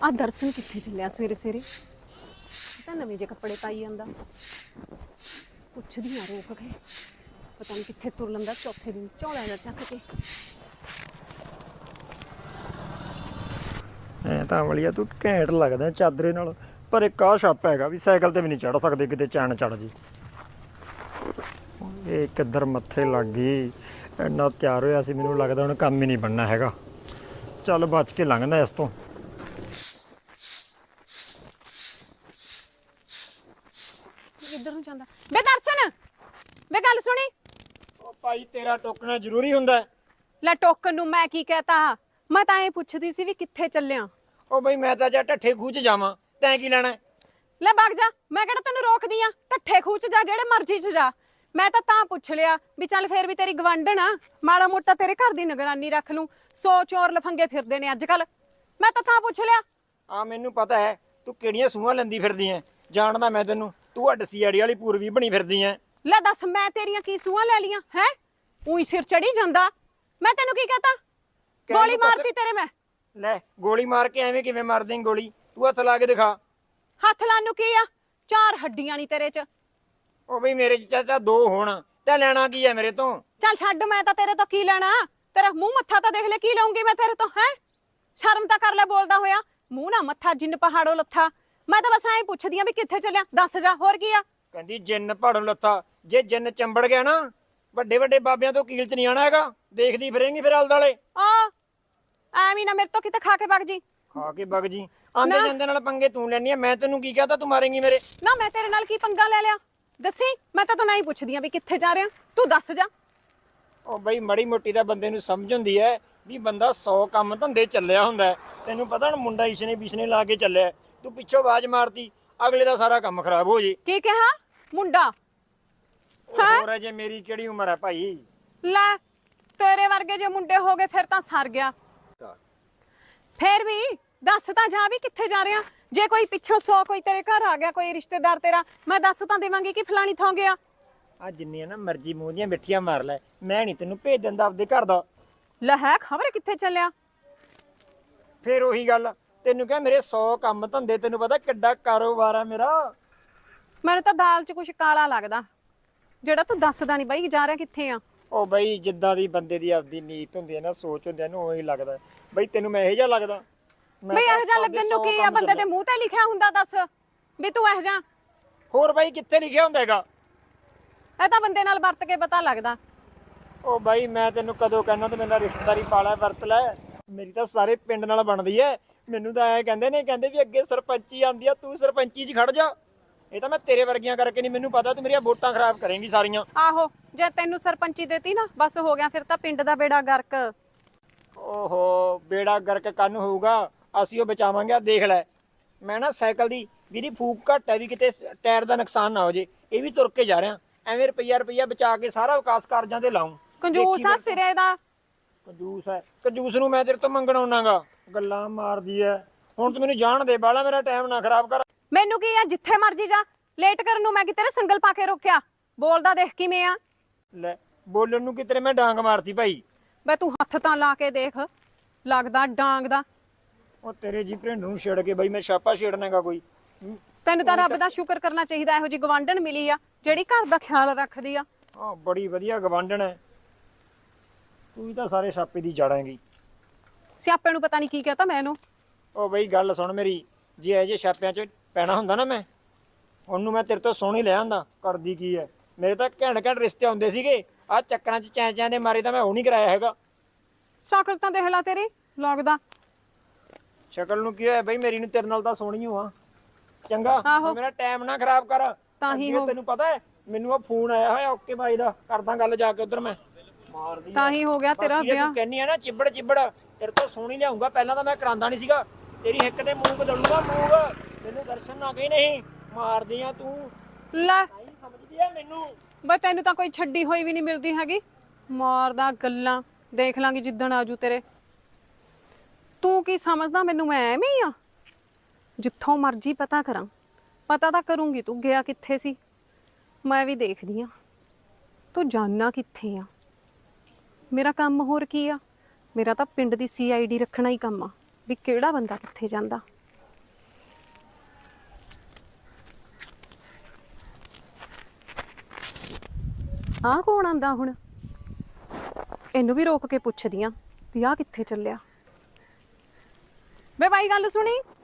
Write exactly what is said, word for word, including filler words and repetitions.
आ दर्शन कित्थे चलिया सवेरे सवेरे ਤਾਂ ਨਵੇਂ ਜਿਹੇ ਕੱਪੜੇ ਪਾਈ ਜਾਂਦਾ ਪੁੱਛਦੀ ਆ ਰੋਕ ਕੇ ਪਤਾ ਨਹੀਂ ਕਿੱਥੇ ਤੁਰ ਲੰਦਾ ਚੌਥੇ ਦਿਨ ਝੋਲਾ ਜਾ ਚੱਕ ਕੇ ਐ ਤਾਂ ਅਮਲੀਆ ਤੂੰ ਘੈਂਟ ਲੱਗਦਾ ਚਾਦਰੇ ਨਾਲ ਪਰ ਇੱਕ ਆਹ ਛੱਪ ਹੈਗਾ ਵੀ ਸਾਈਕਲ ਤੇ ਵੀ ਨਹੀਂ ਚੜ ਸਕਦੇ ਕਿਤੇ ਚੈਨ ਚੜ ਜੀ ਇਹ ਕਿੱਧਰ ਮੱਥੇ ਲੱਗ ਗਈ ਇੰਨਾ ਤਿਆਰ ਹੋਇਆ ਸੀ ਮੈਨੂੰ ਲੱਗਦਾ ਹੁਣ ਕੰਮ ਹੀ ਨਹੀਂ ਬਣਨਾ ਹੈਗਾ ਚੱਲ ਬਚ ਕੇ ਲੰਘਦਾ ਇਸ ਤੋਂ ਕਿੱਧਰ ਨੂੰ ਜਾਂਦਾ ਬੇ ਦਰਸ਼ਨ ਬੇ ਗੱਲ ਸੁਣੀ ਉਹ ਭਾਈ ਤੇਰਾ ਟੋਕਣਾ ਜ਼ਰੂਰੀ ਹੁੰਦਾ ਲੈ ਟੋਕਨ ਨੂੰ ਮੈਂ ਕੀ ਕਹਤਾ ਮੈਂ ਤਾਂ ਇਹ ਪੁੱਛਦੀ ਸੀ ਵੀ ਕਿੱਥੇ ਚੱਲਿਆ ਉਹ ਬਈ ਮੈਂ ਤਾਂ ਜਾ ਢੱਠੇ ਖੂਹ ਚ ਜਾਵਾਂ ਤੈਂ ਕੀ ਲੈਣਾ ਲੈ ਭੱਗ ਜਾ ਮੈਂ ਕਿਹੜਾ ਤੈਨੂੰ ਰੋਕਦੀ ਆ ਢੱਠੇ ਖੂਹ ਚ ਜਾ ਜਿਹੜੇ ਮਰਜ਼ੀ ਚ ਜਾ ਮੈਂ ਤਾਂ ਤਾਂ ਪੁੱਛ ਲਿਆ ਵੀ ਚੱਲ ਫੇਰ ਵੀ ਤੇਰੀ ਗਵਾਂਢਣ ਆ ਮਾੜਾ ਮੋਟਾ ਤੇਰੇ ਘਰ ਦੀ ਨਿਗਰਾਨੀ ਰੱਖ ਲੂੰ ਸੌ ਚੋਰ ਲਫੰਗੇ ਫਿਰਦੇ ਨੇ ਅੱਜ ਕੱਲ ਮੈਂ ਤਾਂ ਤਾਂ ਪੁੱਛ ਲਿਆ ਆ ਮੈਨੂੰ ਪਤਾ ਹੈ ਤੂੰ ਕਿਹੜੀਆਂ ਸੂਹਾਂ ਲੈਂਦੀ ਫਿਰਦੀ ਐ ਜਾਣਦਾ ਮੈਂ ਤੈਨੂੰ ਤੂੰ ਆ ਡਸੀਆੜੀ ਵਾਲੀ ਪੂਰਵੀ ਬਣੀ ਫਿਰਦੀ ਐ ਲੈ ਦੱਸ ਮੈਂ ਤੇਰੀਆਂ ਕੀ ਸੂਹਾਂ ਲੈ ਲੀਆਂ ਹੈ ਉਹੀ ਸਿਰ ਚੜੀ ਜਾਂਦਾ ਮੈਂ ਤੈਨੂੰ ਕੀ ਕਹਤਾ ਗੋਲੀ ਮਾਰਤੀ ਤੇਰੇ ਮੈਂ ਲੈ ਗੋਲੀ ਮਾਰ ਕੇ ਐਵੇਂ ਕਿਵੇਂ ਮਾਰ ਦੇਂਗੀ ਗੋਲੀ ਤੂੰ ਹੱਥ ਲਾ ਕੇ ਦਿਖਾ ਹੱਥ ਲਾਣ ਨੂੰ ਕੀ ਆ ਚਾਰ ਹੱਡੀਆਂ ਨਹੀਂ ਤੇਰੇ ਚ ਉਹ ਬਈ ਮੇਰੇ ਚ ਚਾਚਾ ਦੋ ਹੋਣ ਤੇ ਲੈਣਾ ਕੀ ਐ ਮੇਰੇ ਤੋਂ ਚੱਲ ਛੱਡ ਮੈਂ ਤਾਂ ਤੇਰੇ ਤੋਂ ਕੀ ਲੈਣਾ ਤੇਰਾ ਮੂੰਹ ਮੱਥਾ ਤਾਂ ਦੇਖ ਲੈ ਕੀ ਲਊਂਗੀ ਮੈਂ ਤੇਰੇ ਤੋਂ ਹੈ ਸ਼ਰਮ ਤਾਂ ਕਰ ਲੈ ਬੋਲਦਾ ਹੋਇਆ ਮੂੰਹ ਨਾ ਮੱਥਾ ਜਿੰਨ ਪਹਾੜੋਂ ਲੱਥਾ ਮੈਂ ਤਾਂ ਬਸ ਐਂ ਪੁੱਛਦੀ ਆ ਵੀ ਕਿੱਥੇ ਚੱਲਿਆ ਦੱਸ ਜਾ ਹੋਰ ਕੀ ਆ ਕਹਿੰਦੀ ਜਿੰਨ ਪਹਾੜੋਂ ਲੱਥਾ ਜੇ ਜਿੰਨ ਚੰਬੜ ਗਿਆ ਨਾ ਵੱਡੇ ਵੱਡੇ ਬਾਬਿਆਂ ਤੋਂ ਕੀਲ ਚ ਨਹੀਂ ਆਣਾ ਹੈਗਾ ਦੇਖਦੀ ਫਿਰੇਂਗੀ ਫਿਰ ਆਲਦਾਲੇ ਆ ਐਵੇਂ ਨਾ ਮੇਰੇ ਤੋਂ ਕਿਤੇ ਖਾ ਕੇ ਵਗ ਜੀ ਖਾ ਕੇ ਵਗ ਜੀ ਆਂਦੇ ਜਾਂਦੇ ਨਾਲ ਪੰਗੇ ਤੂੰ ਲੈਣੀ ਆ ਮੈਂ ਤੈਨੂੰ ਕੀ ਕਹਤਾ ਤੂੰ ਮਾਰੇਂਗੀ ਮੇਰੇ ਨਾ ਮੈਂ ਤੇਰੇ ਨਾਲ ਕੀ ਪੰਗਾ ਲੈ ਲਿਆ ਦੱਸੀ ਮੈਂ ਤਾਂ ਤੈਨੂੰ ਹੀ ਪੁੱਛਦੀ ਆ ਵੀ ਕਿੱਥੇ ਜਾ ਰਿਹਾ ਤੂੰ ਦੱਸ ਜਾ ਉਹ ਬਈ ਮੜੀ ਮੋਟੀ ਦਾ ਬੰਦੇ ਨੂੰ ਸਮਝ ਹੁੰਦੀ ਹੈ ਵੀ ਬੰਦਾ ਸੌ ਕੰਮ ਧੰਦੇ ਚੱਲਿਆ ਹੁੰਦਾ ਤੈਨੂੰ ਪਤਾ ਹੁਣ ਮੁੰਡਾ ਇਸਨੇ ਬਿਸਨੇ ਲਾ ਕੇ ਚੱਲਿਆ ਤੂੰ ਪਿੱਛੋਂ ਆਵਾਜ਼ ਮਾਰਤੀ ਅਗਲੇ ਦਾ ਸਾਰਾ ਕੰਮ ਖਰਾਬ ਹੋ ਜੇ ਕੀ ਕਿਹਾ ਮੁੰਡਾ ਹੋਰ ਜੇ ਮੇਰੀ ਕਿਹੜੀ ਉਮਰ ਹੈ ਭਾਈ ਲੈ ਤੇਰੇ ਵਰਗੇ ਜੇ ਮੁੰਡੇ ਹੋ ਗਏ ਫਿਰ ਤਾਂ ਸਰ ਗਿਆ ਫੇਰ ਵੀ ਦੱਸ ਤਾਂ ਜਾ ਵੀ ਕਿੱਥੇ ਜਾ ਰਿਹਾ ਜੇ ਕੋਈ ਪਿੱਛੋਂ ਸੌ ਕੋਈ ਤੇਰੇ ਘਰ ਆ ਗਿਆ ਕੋਈ ਰਿਸ਼ਤੇਦਾਰ ਤੇਰਾ ਮੈਂ ਦੱਸ ਤਾਂ ਦੇਵਾਂਗੀ ਕਿ ਫਲਾਣੀ ਥਾਂ ਗਿਆ ਆ ਜਿੰਨੀਆਂ ਨਾ ਮਰਜ਼ੀ ਮੂੰਹ ਦੀਆਂ ਮਿੱਠੀਆਂ ਮਾਰ ਲੈ ਮੈਂ ਨਹੀਂ ਤੈਨੂੰ ਭੇਜ ਦਿੰਦਾ ਆਪਦੇ ਘਰ ਦਾ ਲੈ ਹੈ ਖਬਰ ਕਿੱਥੇ ਚੱਲਿਆ ਫੇਰ ਉਹੀ ਗੱਲ ਤੈਨੂੰ ਕਿਹਾ ਮੇਰੇ ਸੌ ਕੰਮ ਧੰਦੇ ਤੈਨੂੰ ਪਤਾ ਕਿੱਡਾ ਕਾਰੋਬਾਰ ਆ ਮੇਰਾ ਮੈਨੂੰ ਤਾਂ ਦਾਲ 'ਚ ਕੁਛ ਕਾਲਾ ਲੱਗਦਾ ਜਿਹੜਾ ਤੂੰ ਦੱਸਦਾ ਨਹੀਂ ਬਾਈ ਜਾ ਰਿਹਾ ਕਿੱਥੇ ਆ ਉਹ ਬਈ ਜਿੱਦਾਂ ਦੀ ਬੰਦੇ ਦੀ ਆਪਦੀ ਨੀਤ ਹੁੰਦੀ ਹੈ ਨਾ ਸੋਚ ਹੁੰਦੀ ਹੈ ਨਾ ਉਹੀ ਲੱਗਦਾ ਬਈ ਤੈਨੂੰ ਮੈਂ ਇਹੋ ਜਿਹਾ ਲੱਗਦਾ ਬਈ ਇਹੋ ਜਿਹਾ ਲੱਗਣ ਨੂੰ ਕੀ ਆ ਬੰਦੇ ਦੇ ਮੂੰਹ ਤੇ ਲਿਖਿਆ ਹੁੰਦਾ ਦੱਸ ਵੀ ਤੂੰ ਇਹੋ ਜਿਹਾ ਹੋਰ ਬਾਈ ਕਿੱਥੇ ਲਿਖਿਆ ਹੁੰਦਾ ਹੈਗਾ ਇਹ ਤਾਂ ਬੰਦੇ ਨਾਲ ਵਰਤ ਕੇ ਪਤਾ ਲੱਗਦਾ ਉਹ ਬਾਈ ਮੈਂ ਤੈਨੂੰ ਕਦੋਂ ਕਹਿਣਾ ਤੇ ਮੇਰਾ ਰਿਸ਼ਤੇਦਾਰੀ ਪਾਲਾ ਵਰਤ ਲੈ ਮੇਰੀ ਤਾਂ ਸਾਰੇ ਪਿੰਡ ਨਾਲ ਬਣਦੀ ਐ ਮੈਨੂੰ ਤਾਂ ਐ ਕਹਿੰਦੇ ਨੇ ਕਹਿੰਦੇ ਵੀ ਅੱਗੇ ਸਰਪੰਚੀ ਆਂਦੀ ਆ ਤੂੰ ਸਰਪੰਚੀ 'ਚ ਖੜ ਜਾ ਇਹ ਤਾਂ ਮੈਂ ਤੇਰੇ ਵਰਗੀਆਂ ਕਰਕੇ ਨਹੀਂ ਮੈਨੂੰ ਪਤਾ ਤੂੰ ਮੇਰੀਆਂ ਵੋਟਾਂ ਖਰਾਬ ਕਰੇਂਗੀ ਸਾਰੀਆਂ ਆਹੋ ਜੇ ਤੈਨੂੰ ਸਰਪੰਚੀ ਦੇਤੀ ਨਾ ਬਸ ਹੋ ਗਿਆ ਫਿਰ ਤਾਂ ਪਿੰਡ ਦਾ ਬੇੜਾ ਗਰਕ ਓਹੋ ਬੇੜਾ ਗਰਕ ਕੰਨ ਹੋਊਗਾ ਅਸੀਂ ਉਹ ਬਚਾਵਾਂਗੇ ਦੇਖ ਲੈ ਮੈਂ ਨਾ ਸਾਈਕਲ ਦੀ ਵੀਰੀ ਫੂਕ ਘੱਟ ਹੈ ਵੀ ਕਿਤੇ ਟਾਇਰ ਦਾ ਨੁਕਸਾਨ ਨਾ ਹੋ ਜੇ ਇਹ ਵੀ ਤੁਰ ਕੇ ਜਾ ਰਿਹਾ ਐਵੇਂ ਰੁਪਈਆ ਰੁਪਈਆ ਬਚਾ ਕੇ ਸਾਰਾ ਵਿਕਾਸ ਕਾਰਜਾਂ ਤੇ ਲਾਉਂ ਕੰਜੂਸ ਆ ਸਿਰੇ ਦਾ ਕੰਜੂਸ ਹੈ ਕੰਜੂਸ ਨੂੰ ਮੈਂ ਤੇਰੇ ਤੋਂ ਮੰਗਣ ਆਉਣਾਗਾ ਗੱਲਾਂ ਮਾਰਦੀ ਐ ਹੁਣ ਤੂੰ ਮੈਨੂੰ ਜਾਣ ਦੇ ਬਾਲਾ ਮੇਰਾ ਟਾਈਮ ਨਾ ਖਰਾਬ ਕਰ ਮੈਨੂੰ ਕੀ ਆ ਜਿੱਥੇ ਮਰਜੀ ਜਾ ਲੇਟ ਕਰਨ ਨੂੰ ਮੈਂ ਕਿ ਤੇਰੇ ਸੰਗਲ ਪਾ ਕੇ ਰੋਕਿਆ ਬੋਲਦਾ ਦੇਖ ਕਿਵੇਂ ਆ ਲੈ ਬੋਲਣ ਨੂੰ ਕਿਤੇ ਮੈਂ ਡਾਂਗ ਮਾਰਤੀ ਭਾਈ ਬਈ ਤੂੰ ਹੱਥ ਤਾਂ ਲਾ ਕੇ ਦੇਖ ਲੱਗਦਾ ਡਾਂਗ ਦਾ ਉਹ ਤੇਰੇ ਜੀ ਭਰਿੰਡ ਨੂੰ ਛੇੜ ਕੇ ਬਈ ਮੈਂ ਛਾਪਾ ਛੇੜਨਾਗਾ ਕੋਈ ਤੈਨੂੰ ਤਾਂ ਰੱਬ ਦਾ ਸ਼ੁਕਰ ਕਰਨਾ ਚਾਹੀਦਾ ਇਹੋ ਜੀ ਗਵਾਂਢਣ ਮਿਲੀ ਆ ਜਿਹੜੀ ਘਰ ਦਾ ਖਿਆਲ ਰੱਖਦੀ ਆ ਹਾਂ ਬੜੀ ਵਧੀਆ ਗਵਾਂਢਣ ਹੈ ਤੂੰ ਵੀ ਤਾਂ ਸਾਰੇ ਛਾਪੇ ਦੀ ਜੜਾਂਗੀ ਸਿਆਪੇ ਨੂੰ ਪਤਾ ਨਹੀਂ ਕੀ ਕਹਤਾ ਮੈਨੂੰ ਉਹ ਬਈ ਗੱਲ ਸੁਣ ਮੇਰੀ ਜੇ ਇਹ ਜੇ ਛਾਪਿਆਂ 'ਚ ਪੈਣਾ ਹੁੰਦਾ ਨਾ ਮੈਂ ਉਹਨੂੰ ਮੈਂ ਤੇਰੇ ਤੋਂ ਸੋਹਣੀ ਲੈ ਆਂਦਾ ਕਰਦੀ ਕੀ ਹੈ ਮੇਰੇ ਤਾਂ ਘੈਂਟ ਘੈਂਟ ਰਿਸ਼ਤੇ ਆਉਂਦੇ ਸੀਗੇ ਆਹ ਚੱਕਰਾਂ 'ਚ ਚੈਂ ਚੈਂ ਦੇ ਮਾਰੇ ਤਾਂ ਮੈਂ ਉਹ ਨਹੀਂ ਕਰਾਇਆ ਹੈਗਾ ਸ਼ਕਲ ਤਾਂ ਦੇਖ ਲਾ ਤੇਰੀ ਲੱਗਦਾ ਸ਼ਕਲ ਨੂੰ ਕੀ ਹੋਇਆ ਬਈ ਮੇਰੀ ਨੂੰ ਤੇਰੇ ਨਾਲ ਤਾਂ ਸੋਹਣੀ ਹੋ ਆ ਚੰਗਾ ਮੇਰਾ ਟਾਈਮ ਨਾ ਖਰਾਬ ਕਰ ਤਾਂ ਹੀ ਤੈਨੂੰ ਪਤਾ ਹੈ ਮੈਨੂੰ ਆ ਫੋਨ ਆਇਆ ਹੋਇਆ ਓਕੇ ਬਾਈ ਦਾ ਕਰਦਾ ਗੱਲ ਜਾ ਕੇ ਉਧਰ ਮੈਂ ਮਾਰਦੀ ਤਾਂ ਹੀ ਹੋ ਗਿਆ ਤੇਰਾ ਵਿਆਹ ਤੂੰ ਕਹਿੰਨੀ ਆ ਨਾ ਚਿੱਬੜ ਚਿੱਬੜ ਤੇਰੇ ਤੋਂ ਸੋਹਣੀ ਲਿਆਉਂਗਾ ਪਹਿਲਾਂ ਤਾਂ ਮੈਂ ਕਰਾਂਦਾ ਨਹੀਂ ਸੀਗਾ ਤੇਰੀ ਹਿੱਕ ਤੇ ਮੂੰਹ ਬਦਲੂਗਾ ਮੂੰਹ ਤੈਨੂੰ ਦਰਸ਼ਨ ਨਾ ਗਈ ਨਹੀਂ ਮਾਰਦੀ ਆ ਤੂੰ ਲੈ ਨਹੀਂ ਸਮਝਦੀ ਆ ਮੈਨੂੰ ਬਈ ਤੈਨੂੰ ਤਾਂ ਕੋਈ ਛੱਡੀ ਹੋਈ ਵੀ ਨਹੀਂ ਮਿਲਦੀ ਹੈਗੀ ਮਾਰਦਾ ਗੱਲਾਂ ਦੇਖ ਲਾਂਗੀ ਜਿੱਦਣ ਆਜੂ ਤੇਰੇ ਤੂੰ ਕੀ ਸਮਝਦਾ ਮੈਨੂੰ ਮੈਂ ਐਵੇਂ ਹੀ ਆ ਜਿੱਥੋਂ ਮਰਜ਼ੀ ਪਤਾ ਕਰਾਂ ਪਤਾ ਤਾਂ ਕਰੂੰਗੀ ਤੂੰ ਗਿਆ ਕਿੱਥੇ ਸੀ ਮੈਂ ਵੀ ਦੇਖਦੀ ਆ ਤੂੰ ਜਾਨਣਾ ਕਿੱਥੇ ਆ ਮੇਰਾ ਕੰਮ ਹੋਰ ਕੀ ਆ ਮੇਰਾ ਤਾਂ ਪਿੰਡ ਦੀ ਸੀ ਆਈ ਡੀ ਰੱਖਣਾ ਹੀ ਕੰਮ ਆ ਵੀ ਕਿਹੜਾ ਬੰਦਾ ਕਿੱਥੇ ਜਾਂਦਾ ਆਹ ਕੌਣ ਆਂਦਾ ਹੁਣ? ਇਹਨੂੰ ਵੀ ਰੋਕ ਕੇ ਪੁੱਛਦੀ ਆ ਵੀ ਆਹ ਕਿੱਥੇ ਚੱਲਿਆ। ਵੇ ਬਾਈ ਗੱਲ ਸੁਣੀ।